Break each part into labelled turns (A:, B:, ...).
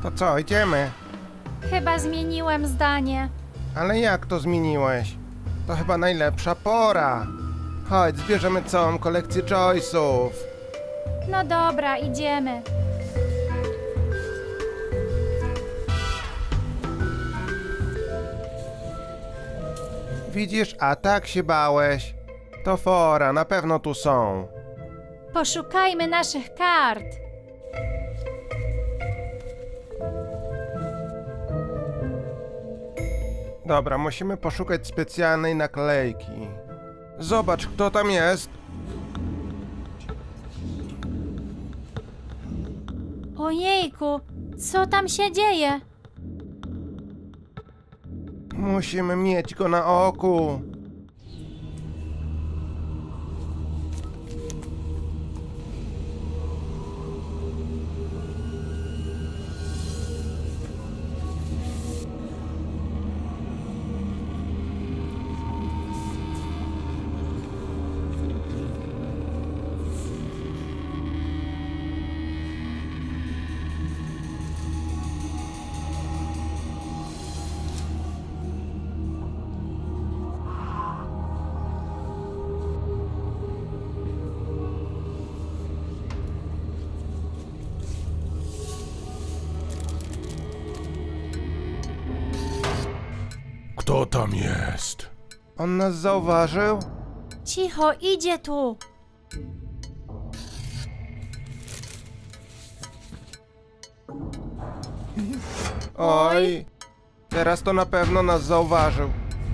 A: To co, idziemy?
B: Chyba zmieniłem zdanie.
A: Ale jak to zmieniłeś? To chyba najlepsza pora. Chodź, zbierzemy całą kolekcję Joyce'ów.
B: No dobra, idziemy.
A: Widzisz, a tak się bałeś. To fora, na pewno tu są.
B: Poszukajmy naszych kart.
A: Dobra, musimy poszukać specjalnej naklejki. Zobacz, kto tam jest.
B: Ojejku, co tam się dzieje?
A: Musimy mieć go na oku.
C: Kto tam jest?
A: On nas zauważył?
B: Cicho, idzie tu.
A: Oj, teraz to na pewno nas zauważył.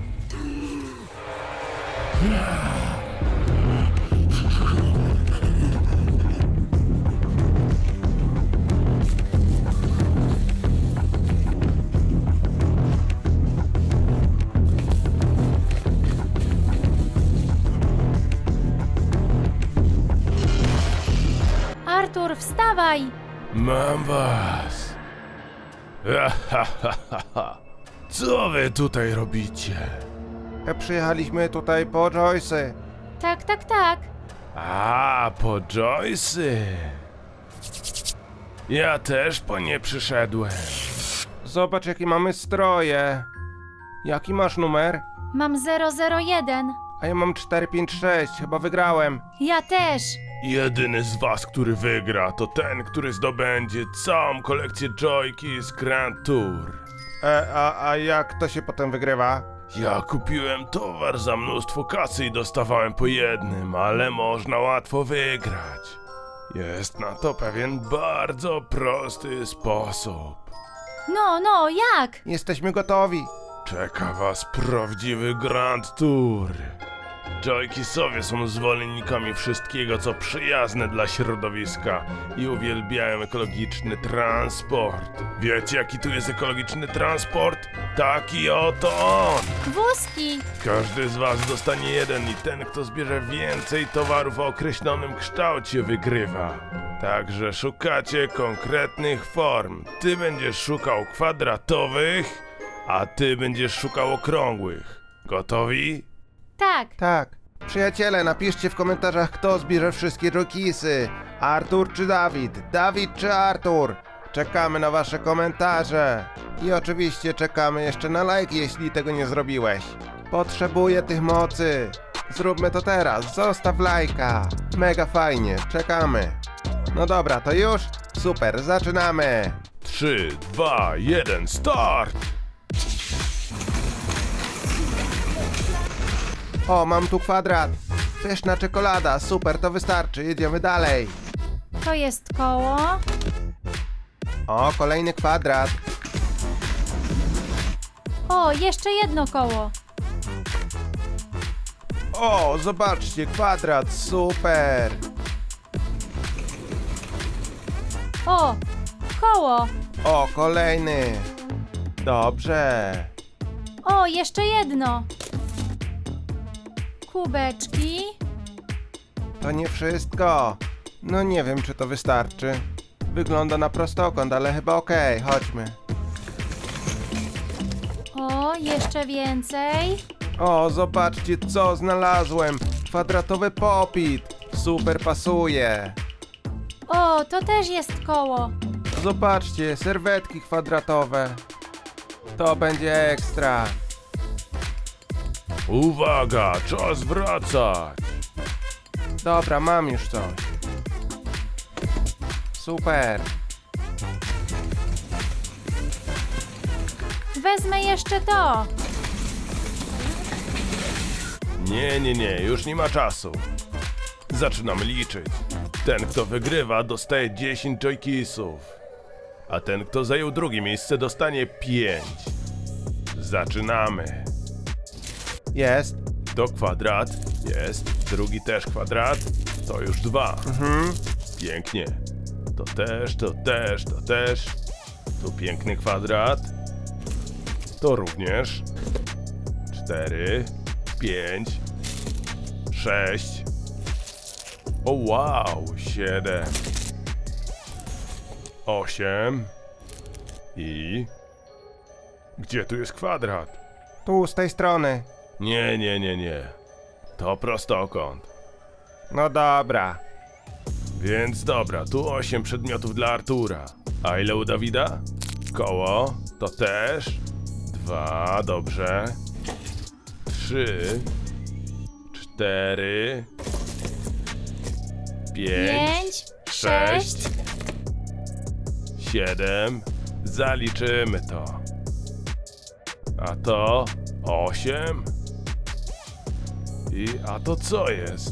B: Artur, wstawaj!
C: Mam was. Co wy tutaj robicie?
A: Przyjechaliśmy tutaj po Joyce'y.
B: Tak, tak, tak.
C: A, po Joyce'y. Ja też po nie przyszedłem.
A: Zobacz, jakie mamy stroje. Jaki masz numer?
B: Mam 001.
A: A ja mam 456, chyba wygrałem.
B: Ja też.
C: Jedyny z was, który wygra, to ten, który zdobędzie całą kolekcję Joyki z Grand Tour.
A: A jak to się potem wygrywa?
C: Ja kupiłem towar za mnóstwo kasy i dostawałem po jednym, ale można łatwo wygrać. Jest na to pewien bardzo prosty sposób.
B: No, jak?
A: Jesteśmy gotowi.
C: Czeka was prawdziwy Grand Tour. Joykisowie są zwolennikami wszystkiego, co przyjazne dla środowiska i uwielbiają ekologiczny transport. Wiecie, jaki tu jest ekologiczny transport? Taki oto on!
B: Wózki.
C: Każdy z was dostanie jeden i ten, kto zbierze więcej towarów o określonym kształcie, wygrywa. Także szukacie konkretnych form. Ty będziesz szukał kwadratowych, a ty będziesz szukał okrągłych. Gotowi?
B: Tak.
A: Tak. Przyjaciele, napiszcie w komentarzach, kto zbierze wszystkie Joykisy. Artur czy Dawid? Dawid czy Artur? Czekamy na wasze komentarze. I oczywiście czekamy jeszcze na lajki, jeśli tego nie zrobiłeś. Potrzebuję tych mocy. Zróbmy to teraz. Zostaw lajka. Mega fajnie. Czekamy. No dobra, to już? Super, zaczynamy.
C: 3, 2, 1, start!
A: O, mam tu kwadrat. Pyszna czekolada. Super, to wystarczy. Jedziemy dalej.
B: To jest koło.
A: O, kolejny kwadrat.
B: O, jeszcze jedno koło.
A: O, zobaczcie, kwadrat, super.
B: O, koło.
A: O, kolejny. Dobrze.
B: O, jeszcze jedno. Kubeczki.
A: To nie wszystko. No nie wiem, czy to wystarczy. Wygląda na prostokąt, ale chyba okej, chodźmy.
B: O, jeszcze więcej.
A: O, zobaczcie, co znalazłem. Kwadratowy popit. Super pasuje.
B: O, to też jest koło.
A: Zobaczcie, serwetki kwadratowe. To będzie ekstra.
C: Uwaga, czas wracać.
A: Dobra, mam już coś. Super.
B: Wezmę jeszcze to.
C: Nie, już nie ma czasu. Zaczynam liczyć. Ten, kto wygrywa, dostaje 10 joykisów. A ten, kto zajął drugie miejsce, dostanie 5. Zaczynamy.
A: Jest.
C: To kwadrat. Jest. Drugi też kwadrat. To już 2. Pięknie. To też, to też, to też. Tu piękny kwadrat. To również. 4, 5, 6. O wow, 7, 8 i... Gdzie tu jest kwadrat?
A: Tu, z tej strony.
C: Nie. To prostokąt.
A: No dobra.
C: Więc dobra, tu 8 przedmiotów dla Artura. A ile u Dawida? Koło, to też. 2, dobrze. 3, 4, 5,
B: 5, 6.
C: 7. Zaliczymy to. A to 8. A to co jest?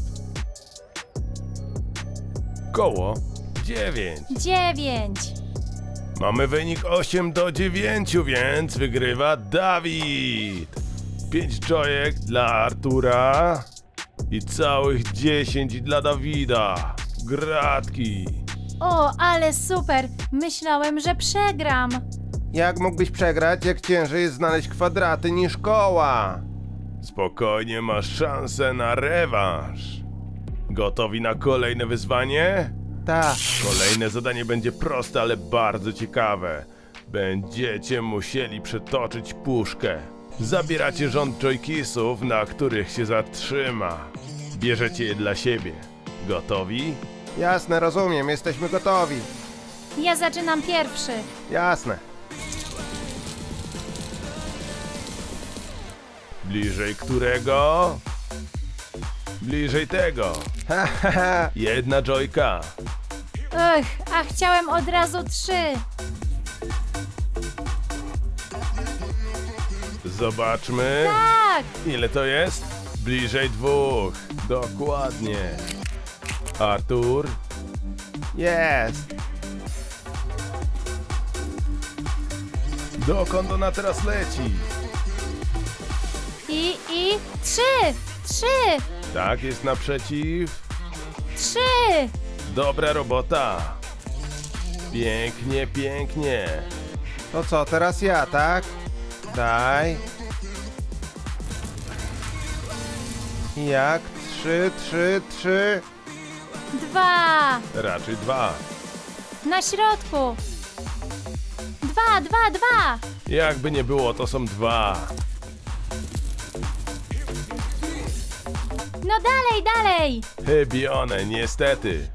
C: Koło 9.
B: 9.
C: Mamy wynik 8-9, więc wygrywa Dawid. 5 joyek dla Artura i całych 10 dla Dawida. Gratki.
B: O, ale super. Myślałem, że przegram.
A: Jak mógłbyś przegrać, jak ciężej jest znaleźć kwadraty niż koła?
C: Spokojnie, masz szansę na rewanż. Gotowi na kolejne wyzwanie?
A: Tak.
C: Kolejne zadanie będzie proste, ale bardzo ciekawe. Będziecie musieli przetoczyć puszkę. Zabieracie rząd joykisów, na których się zatrzyma. Bierzecie je dla siebie. Gotowi?
A: Jasne, rozumiem, jesteśmy gotowi.
B: Ja zaczynam pierwszy.
A: Jasne.
C: Bliżej którego? Bliżej tego.
A: Ha, ha, ha.
C: Jedna joyka.
B: A chciałem od razu 3.
C: Zobaczmy.
B: Tak.
C: Ile to jest? Bliżej 2. Dokładnie. Artur.
A: Jest.
C: Dokąd ona teraz leci?
B: I 3. 3.
C: Tak, jest naprzeciw.
B: 3.
C: Dobra robota. Pięknie, pięknie.
A: To co, teraz ja, tak? Daj. Jak? 3.
B: 2.
C: Raczej 2.
B: Na środku. 2.
C: Jakby nie było, to są 2.
B: No dalej.
C: Chybione, niestety.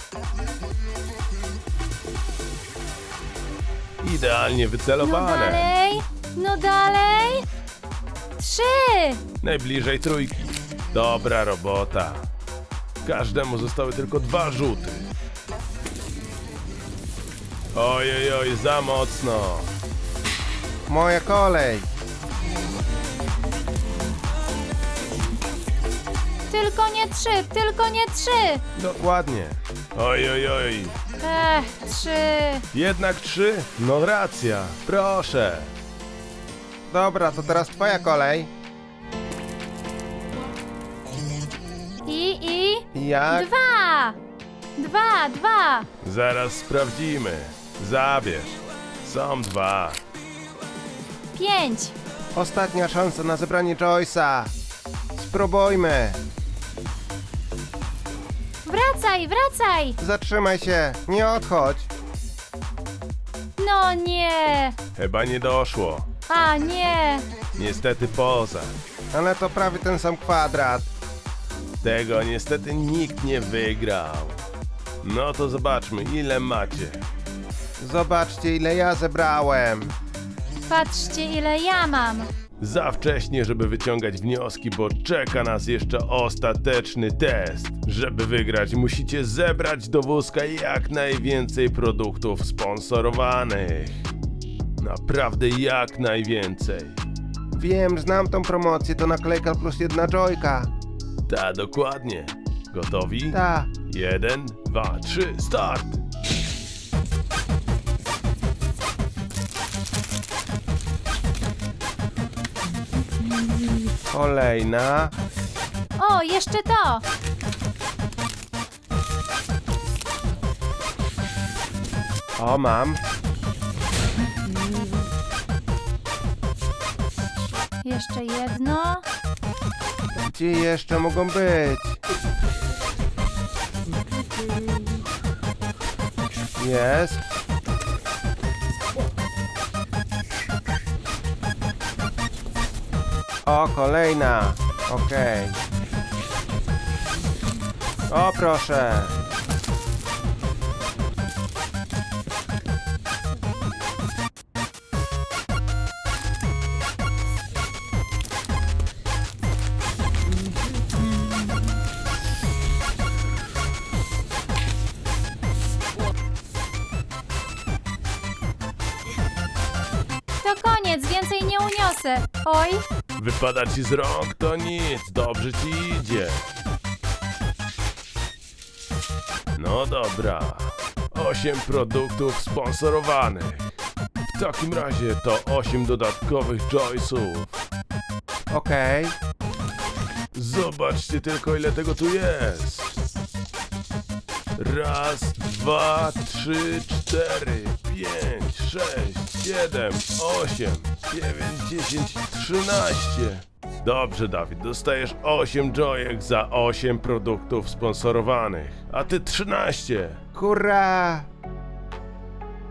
C: Idealnie wycelowane.
B: No dalej. 3.
C: Najbliżej 3. Dobra robota. Każdemu zostały tylko 2 rzuty. Oj, za mocno.
A: Moja kolej.
B: Tylko nie 3.
A: Dokładnie.
C: Oj.
B: 3.
C: Jednak 3? No racja, proszę.
A: Dobra, to teraz twoja kolej.
B: I
A: Jak?
B: 2.
C: Zaraz sprawdzimy. Zabierz. Są 2.
B: 5.
A: Ostatnia szansa na zebranie Joyce'a. Spróbujmy.
B: Wracaj.
A: Zatrzymaj się, nie odchodź.
B: No nie.
C: Chyba nie doszło.
B: A nie.
C: Niestety poza.
A: Ale to prawie ten sam kwadrat.
C: Tego niestety nikt nie wygrał. No to zobaczmy, ile macie.
A: Zobaczcie, ile ja zebrałem.
B: Patrzcie, ile ja mam.
C: Za wcześnie, żeby wyciągać wnioski, bo czeka nas jeszcze ostateczny test. Żeby wygrać, musicie zebrać do wózka jak najwięcej produktów sponsorowanych. Naprawdę jak najwięcej.
A: Wiem, znam tą promocję, to naklejka plus 1 joyka.
C: Ta, dokładnie. Gotowi?
A: Ta.
C: 1, 2, 3, start!
A: Kolejna.
B: O, jeszcze to.
A: O, mam.
B: Jeszcze jedno.
A: Gdzie jeszcze mogą być? Jest. O, kolejna. Okej. O, proszę.
B: To koniec, więcej nie uniosę. Oj,
C: Wypada ci z rąk, to nic, dobrze ci idzie. No dobra, 8 produktów sponsorowanych. W takim razie to 8 dodatkowych joysów.
A: Okej.
C: Zobaczcie tylko, ile tego tu jest. Raz, 2, 3, 4, 5, 6, 7, 8, 9, 10, 13. Dobrze, Dawid, dostajesz 8 joyek za 8 produktów sponsorowanych, a ty 13.
A: Hurra!